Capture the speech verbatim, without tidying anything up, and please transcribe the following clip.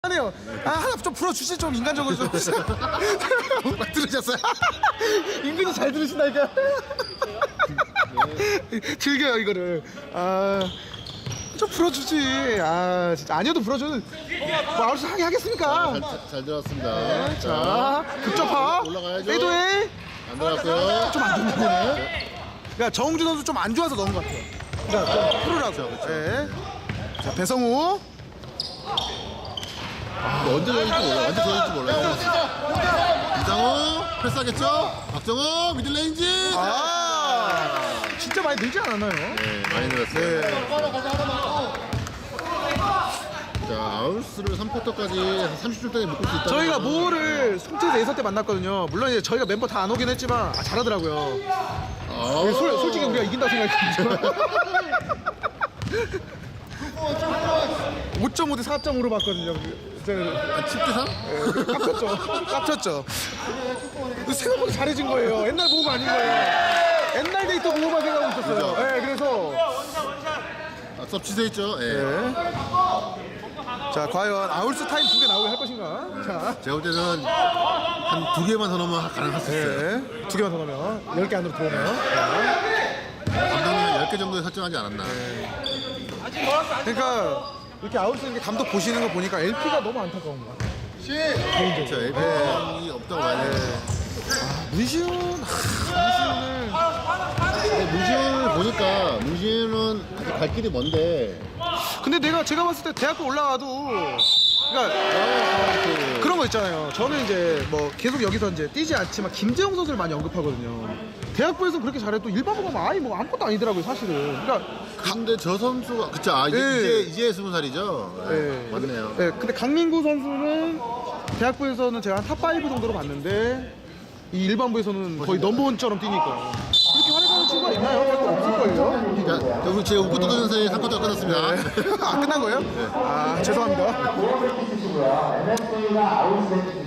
하네요. 아 하나 좀 풀어주시 좀 인간적으로 좀. 막 들으셨어요? 인근이 잘 들으신다니까. 즐겨요 이거를. 아좀 풀어주지. 아 진짜 아니어도 풀어주는. 뭐 아무튼 하게 하겠습니까? 잘, 잘 들었습니다. 네, 자 급접하. 올라가야죠. 페이드웨이. 안 들어갔고요. 좀 안 좋네. 그러니까 정우주 선수 좀 안 좋아서 넣은 것 같아요. 그러니까 좀 풀으라고. 그렇죠. 네. 자 배성우. 뭐 언제 걸릴지 몰라. 언제 걸릴지 몰라요. 이장호 패스하겠죠? 박정호 미들레인지. 아 진짜 많이 늘지 않았나요? 네, 많이 늘었어요. 네. 자, 아울스를 삼 쿼터까지 한 삼십 초 동안 묶을 수 있다. 저희가 모호를 송태에서 예선 때 만났거든요. 물론 이제 저희가 멤버 다 안 오긴 했지만 아, 잘하더라고요. 아, 솔, 솔직히 우리가 이긴다고 생각했지만 오 점 오 대 사 점 오로 봤거든요. 아, 칠 대 삼? 네, 깝쳤죠. 깝쳤죠. 생각보다 잘해진 거예요. 옛날 모호가 아닌 거예요. 옛날 데이터 모호만 생각하고 있었어요. 그죠? 네, 그래서 아, 수업 취소했죠? 예. 네. 자 과연 아울스 타임 두 개 나오게 할 것인가? 자. 제가 볼 때는 한 두 개만 더 넣으면 가능할 수 있어요. 네. 두 개만 더 넣으면 열 개 안으로 들어오면 감독님은 열 개 정도에 설정하지 않았나. 그러니까 이렇게 아웃스 이렇게 감독 보시는 거 보니까 엘피가 너무 안타까운 거야. 그렇죠. 엘피이 없다고 봐야 돼요. 문시훈 아, 근데 문신을 보니까 문신은 아직 갈 길이 먼데 문시훈을 근데 내가 제가 봤을 때 대학교 올라가도 그러니까 그 그런 거 있잖아요. 저는 이제 뭐 계속 여기서 이제 뛰지 않지만 김재용 선수를 많이 언급하거든요. 대학부에서 그렇게 잘해도 일반부 가면 아예 뭐 아무것도 아니더라고요 사실은. 그러니까 근데 저 선수가 그쵸 아 이제 네. 이제 이제 스무 살이죠. 네, 네. 맞네요. 네, 근데 강민구 선수는 대학부에서는 제가 한 탑 파이브 정도로 봤는데 이 일반부에서는 거의 넘버원처럼 뛰니까 그렇게 활약하는 친구가 있나요? 별로 없을걸요? 자, 자, 우리 제 웃고 떠드는 사이에 삼 쿼터가 끝났습니다. 아 끝난 거예요? 아 죄송합니다.